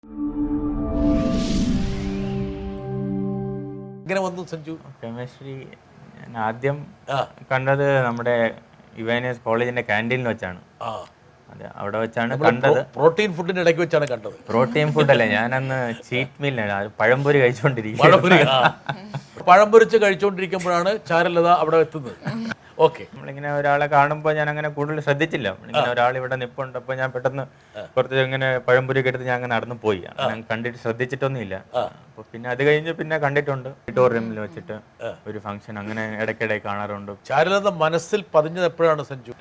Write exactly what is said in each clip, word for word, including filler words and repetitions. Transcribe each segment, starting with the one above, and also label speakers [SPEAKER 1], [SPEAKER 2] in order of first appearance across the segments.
[SPEAKER 1] എങ്ങനെ വന്നു സഞ്ജു
[SPEAKER 2] കെമിസ്ട്രി? ഞാൻ ആദ്യം കണ്ടത് നമ്മുടെ യുവൈനസ് കോളേജിന്റെ ക്യാൻറ്റീനിൽ വെച്ചാണ്. അതെ, അവിടെ വെച്ചാണ് കണ്ടത്.
[SPEAKER 1] പ്രോട്ടീൻ ഫുഡിന്റെ ഇടയ്ക്ക് വെച്ചാണ് കണ്ടത്.
[SPEAKER 2] പ്രോട്ടീൻ ഫുഡല്ലേ, ഞാനന്ന് ചീറ്റ് മീലാണ് പഴംപൊരി കഴിച്ചുകൊണ്ടിരിക്കുന്നത്.
[SPEAKER 1] പഴംപൊരിച്ച് കഴിച്ചുകൊണ്ടിരിക്കുമ്പോഴാണ് ചാരുലത അവിടെ എത്തുന്നത്. ഓക്കെ,
[SPEAKER 2] നമ്മളിങ്ങനെ ഒരാളെ കാണുമ്പോൾ ഞാൻ അങ്ങനെ കൂടുതൽ ശ്രദ്ധിച്ചില്ല. ഇങ്ങനെ ഒരാൾ ഇവിടെ നിപ്പുണ്ട്, അപ്പോൾ ഞാൻ പെട്ടെന്ന് കുറച്ച് ഇങ്ങനെ പഴംപൊരി എടുത്ത് ഞാൻ അങ്ങനെ നടന്നു പോയി. അങ്ങനെ കണ്ടിട്ട് ശ്രദ്ധിച്ചിട്ടൊന്നുമില്ല. അപ്പൊ പിന്നെ അത് കഴിഞ്ഞ് പിന്നെ കണ്ടിട്ടുണ്ട് ഓഡിറ്റോറിയമിൽ വെച്ചിട്ട് ഒരു ഫംഗ്ഷൻ, അങ്ങനെ ഇടയ്ക്കിടെ കാണാറുണ്ട്.
[SPEAKER 1] ചാരുലത മനസ്സിൽ പതിഞ്ഞത് എപ്പോഴാണ് സഞ്ജു?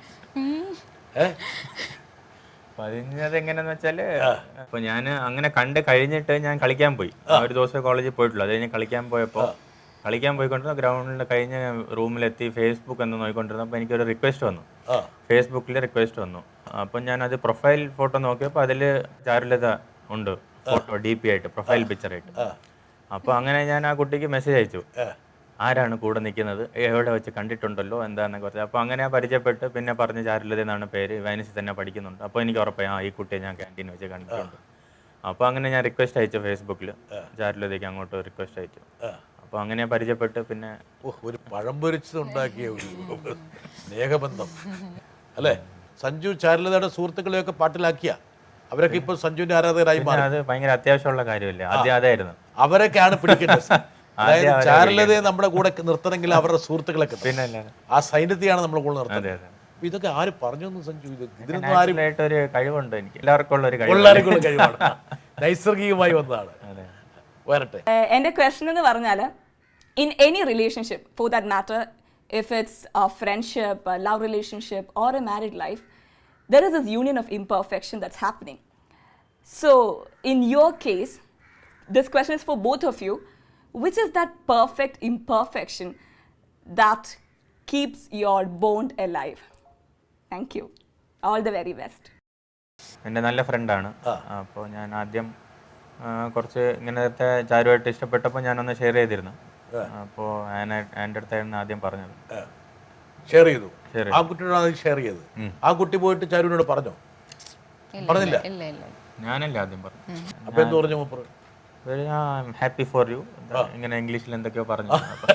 [SPEAKER 2] പതിഞ്ഞത് എങ്ങനെയാന്ന് വെച്ചാല്, അപ്പൊ ഞാൻ അങ്ങനെ കണ്ട് കഴിഞ്ഞിട്ട് ഞാൻ കളിക്കാൻ പോയി. ഒരു ദിവസം കോളേജിൽ പോയിട്ടുള്ളൂ. അത് കഴിഞ്ഞ് കളിക്കാൻ പോയപ്പോൾ കളിക്കാൻ പോയിക്കൊണ്ടിരുന്ന ഗ്രൗണ്ടിൽ കഴിഞ്ഞ് റൂമിലെത്തി ഫേസ്ബുക്ക് എന്ന് നോക്കിക്കൊണ്ടിരുന്നപ്പോൾ എനിക്കൊരു റിക്വസ്റ്റ് വന്നു. ഫേസ്ബുക്കിൽ റിക്വസ്റ്റ് വന്നു. അപ്പം ഞാനത് പ്രൊഫൈൽ ഫോട്ടോ നോക്കിയപ്പോൾ അതിൽ ചാരുലത ഉണ്ട്, ഫോട്ടോ ഡി പി ആയിട്ട്, പ്രൊഫൈൽ പിക്ചറായിട്ട്. അപ്പോൾ അങ്ങനെ ഞാൻ ആ കുട്ടിക്ക് മെസ്സേജ് അയച്ചു, ആരാണ് കൂടെ നിൽക്കുന്നത്, എവിടെ വെച്ച് കണ്ടിട്ടുണ്ടല്ലോ എന്താണെന്നൊക്കെ പറഞ്ഞു. അപ്പോൾ അങ്ങനെ പരിചയപ്പെട്ട് പിന്നെ പറഞ്ഞ് ചാരുലത എന്നാണ് പേര്, വൈനസിൽ തന്നെ പഠിക്കുന്നുണ്ട്. അപ്പോൾ എനിക്ക് ഉറപ്പായി ആ ഈ കുട്ടിയെ ഞാൻ ക്യാൻറ്റീൻ വെച്ച് കണ്ടിട്ടുണ്ട്. അപ്പോൾ അങ്ങനെ ഞാൻ റിക്വസ്റ്റ് അയച്ചു ഫേസ്ബുക്കിൽ, ചാരുലതയ്ക്ക് അങ്ങോട്ട് റിക്വസ്റ്റ് അയച്ചു. അപ്പോൾ അങ്ങനെ പരിചയപ്പെട്ട് പിന്നെ
[SPEAKER 1] ഒരു പഴംപൊരിച്ചതുണ്ടാക്കിയ ഒരു സ്നേഹബന്ധം അല്ലേ? സഞ്ജു ചാരുലതയുടെ സുഹൃത്തുക്കളെയൊക്കെ പാട്ടിലാക്കിയ അവരൊക്കെ ഇപ്പോൾ സഞ്ജുവിന്റെ ആരാധകരായി മാറി.
[SPEAKER 2] അത് ഭയങ്കര അത്യാവശ്യമുള്ള കാര്യമല്ലേ, ആദ്യം അതായിരുന്നു.
[SPEAKER 1] അവരൊക്കെയാണ് പിടിക്കേണ്ടത്. അതായത് ചാരുലതയെ നമ്മുടെ കൂടെ നിർത്തണമെങ്കിൽ അവരുടെ സുഹൃത്തുക്കളൊക്കെ
[SPEAKER 2] പിന്നെ
[SPEAKER 1] ആ സൈന്യത്തെയാണ് നമ്മുടെ കൂടെ നിർത്തുന്നത്. ഇതൊക്കെ ആര് പറഞ്ഞു സഞ്ജു? ഇത് ഇതിനൊന്നും ആരും
[SPEAKER 2] ഒരു കഴിവുണ്ട്, എനിക്ക് എല്ലാവർക്കും ഉള്ള ഒരു
[SPEAKER 1] എല്ലാവർക്കും കഴിവാണ്, നൈസർഗികമായി വന്നതാണ്. വരട്ടെ.
[SPEAKER 3] എൻ്റെ ക്വസ്റ്റൻ എന്ന് പറഞ്ഞാൽ, in any relationship for that matter, if it's a friendship, a love relationship or a married life, there is this union of imperfection that's happening. So in your case, this question is for both of you. Which is that perfect imperfection that keeps your bond alive? Thank you. All the very best.
[SPEAKER 2] എൻ്റെ നല്ല ഫ്രണ്ടാണ്. അപ്പോൾ ഞാൻ ആദ്യം കുറച്ച് ഇങ്ങനത്തെ ചാരുമായിട്ട് ഇഷ്ടപ്പെട്ടപ്പോൾ ഞാനൊന്ന് share ചെയ്തിരുന്നു. അപ്പോൾ എൻ്റെ അടുത്തായിരുന്നു ആദ്യം പറഞ്ഞത്.
[SPEAKER 1] ഷെയർ ചെയ്തു, ആ കുട്ടിയോടാണ് ഷെയർ ചെയ്തത്. ആ കുട്ടി പോയിട്ട് ചാരുവിനോട് പറഞ്ഞോ? പറഞ്ഞില്ല,
[SPEAKER 2] ഞാനല്ലേ ആദ്യം പറഞ്ഞു.
[SPEAKER 1] അപ്പൊ എന്ത് പറഞ്ഞു മൂപ്പർ?
[SPEAKER 2] ഹാപ്പി ഫോർ യു, ഇങ്ങനെ ഇംഗ്ലീഷിൽ എന്തൊക്കെയോ പറഞ്ഞു.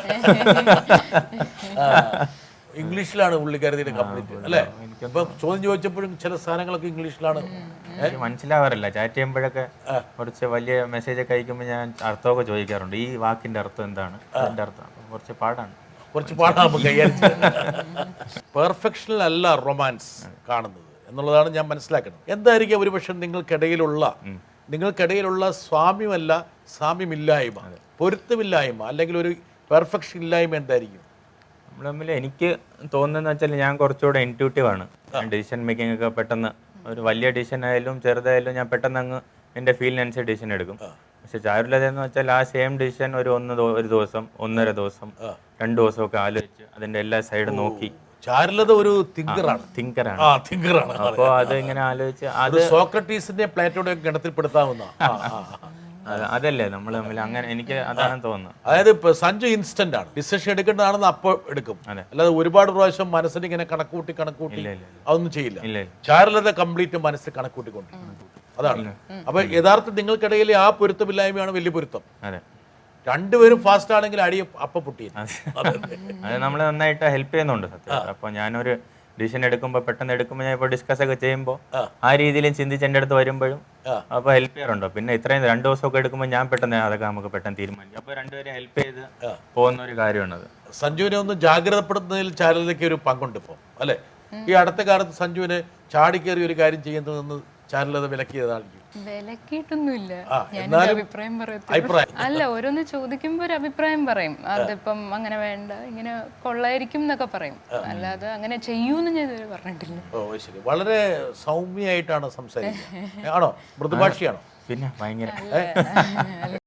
[SPEAKER 1] ഇംഗ്ലീഷിലാണ് പുള്ളിക്കാരത്തിയുടെ കംപ്ലീറ്റ് അല്ലേ? ഇപ്പൊ ചോദ്യം ചോദിച്ചപ്പോഴും ചില സാധനങ്ങളൊക്കെ ഇംഗ്ലീഷിലാണ്.
[SPEAKER 2] എനിക്ക് മനസ്സിലാവാറില്ല. ചാറ്റ് ചെയ്യുമ്പോഴൊക്കെ കുറച്ച് വലിയ മെസ്സേജ് ഒക്കെ അയക്കുമ്പോൾ ഞാൻ അർത്ഥമൊക്കെ ചോദിക്കാറുണ്ട്. ഈ വാക്കിന്റെ അർത്ഥം എന്താണ്, അതിന്റെ അർത്ഥം കുറച്ച് പാടാണ്,
[SPEAKER 1] കുറച്ച് പാടാണ് കൈകാര്യം. പെർഫെക്ഷനിലല്ല റൊമാൻസ് കാണുന്നത് എന്നുള്ളതാണ് ഞാൻ മനസ്സിലാക്കുന്നത്. എന്തായിരിക്കും ഒരു പക്ഷെ നിങ്ങൾക്കിടയിലുള്ള നിങ്ങൾക്കിടയിലുള്ള സ്വാമ്യമല്ല സാമ്യമില്ലായ്മ, പൊരുത്തമില്ലായ്മ, അല്ലെങ്കിൽ ഒരു പെർഫെക്ഷൻ ഇല്ലായ്മ എന്തായിരിക്കും
[SPEAKER 2] നമ്മൾ തമ്മിൽ? എനിക്ക് തോന്നുന്നതെന്ന് വെച്ചാൽ ഞാൻ കുറച്ചുകൂടെ ഇൻറ്റ്യൂട്ടീവ് ആണ്. ഡിസിഷൻ മേക്കിംഗ് ഒക്കെ പെട്ടെന്ന്, ഒരു വലിയ ഡിസിഷൻ ആയാലും ചെറുതായാലും ഞാൻ പെട്ടെന്ന് അങ്ങ് എൻ്റെ ഫീലിനനുസരിച്ച് ഡിസിഷൻ എടുക്കും. പക്ഷെ ചാരുലത എന്ന് വെച്ചാൽ ആ സെയിം ഡിസിഷൻ ഒരു ഒന്ന് ഒരു ദിവസം, ഒന്നര ദിവസം, രണ്ട് ദിവസമൊക്കെ ആലോചിച്ച് അതിൻ്റെ എല്ലാ സൈഡും നോക്കി.
[SPEAKER 1] ചാരുലത ഒരു തിങ്കറാണ്
[SPEAKER 2] തിങ്കറാണ്
[SPEAKER 1] തിങ്കറാണ്
[SPEAKER 2] അപ്പോൾ അത് ഇങ്ങനെ ആലോചിച്ച് അത്
[SPEAKER 1] സോക്രട്ടീസിന്റെ പ്ലേറ്റോടെ ഗണത്തിൽപ്പെടുത്താവുന്ന
[SPEAKER 2] അതല്ലേ നമ്മൾ തമ്മിൽ. അങ്ങനെ എനിക്ക് അതാണ് തോന്നുന്നത്.
[SPEAKER 1] അതായത് ഇപ്പൊ സഞ്ജു ഇൻസ്റ്റന്റ് ആണ്, ഡിസിഷൻ എടുക്കേണ്ടതാണെന്ന് അപ്പോൾ എടുക്കും. അല്ലാതെ ഒരുപാട് പ്രാവശ്യം മനസ്സിന് ഇങ്ങനെ കണക്കൂട്ടി കണക്കൂട്ടി അതൊന്നും ചെയ്യില്ല. ചാരുലത കംപ്ലീറ്റ് മനസ്സിൽ കണക്കൂട്ടിക്കൊണ്ടിരിക്കും. അതാണ്. അപ്പൊ യഥാർത്ഥം നിങ്ങൾക്കിടയിൽ ആ പൊരുത്തമില്ലായ്മയാണ് വലിയ പൊരുത്തം. രണ്ടുപേരും ഫാസ്റ്റ് ആണെങ്കിൽ അടി അപ്പ പൊട്ടി.
[SPEAKER 2] അത് നമ്മൾ നന്നായിട്ട് ഹെൽപ്പ് ചെയ്യുന്നുണ്ട് സത്യം. അപ്പൊ ഞാനൊരു ഡിസിഷൻ എടുക്കുമ്പോൾ പെട്ടെന്ന് എടുക്കുമ്പോൾ ഞാൻ ഇപ്പോൾ ഡിസ്കസ് ഒക്കെ ചെയ്യുമ്പോൾ ആ രീതിയിലും ചിന്തിച്ച് എൻ്റെ അടുത്ത് വരുമ്പോഴും അപ്പോൾ ഹെൽപ്പ് ചെയ്യാറുണ്ടോ. പിന്നെ ഇത്രയും രണ്ട് ദിവസമൊക്കെ എടുക്കുമ്പോൾ ഞാൻ പെട്ടെന്ന് അതൊക്കെ നമുക്ക് പെട്ടെന്ന് തീരുമാനിക്കും. അപ്പോൾ രണ്ടുപേരും ഹെൽപ്പ് ചെയ്ത് പോകുന്ന ഒരു കാര്യമാണത്.
[SPEAKER 1] സഞ്ജുവിനെ ഒന്ന് ജാഗ്രതപ്പെടുത്തുന്നതിൽ ചാരുലതയ്ക്ക് ഒരു പങ്കുണ്ട് ഇപ്പോൾ അല്ലേ? ഈ അടുത്ത കാലത്ത് സഞ്ജുവിന് ചാടിക്കേറി ഒരു കാര്യം ചെയ്യുന്നതെന്ന് ചാരുലത വിലക്കിയതായിരിക്കും.
[SPEAKER 4] വിലക്കിയിട്ടൊന്നുമില്ല, ഞാൻ അഭിപ്രായം പറയത്തില്ല. അല്ല, ഓരോന്ന് ചോദിക്കുമ്പോ ഒരു അഭിപ്രായം പറയും. അതിപ്പം അങ്ങനെ വേണ്ട, ഇങ്ങനെ കൊള്ളായിരിക്കും എന്നൊക്കെ പറയും. അല്ലാതെ അങ്ങനെ ചെയ്യൂന്ന് ഞാൻ ഇതുവരെ പറഞ്ഞിട്ടില്ല.
[SPEAKER 1] ഓ ശരി, വളരെ സൗമ്യമായിട്ടാണ് സംസാരിക്കുന്നത്. ആണോ? മൃദുഭാഷിയാണോ?
[SPEAKER 2] പിന്നെ ഭയങ്കര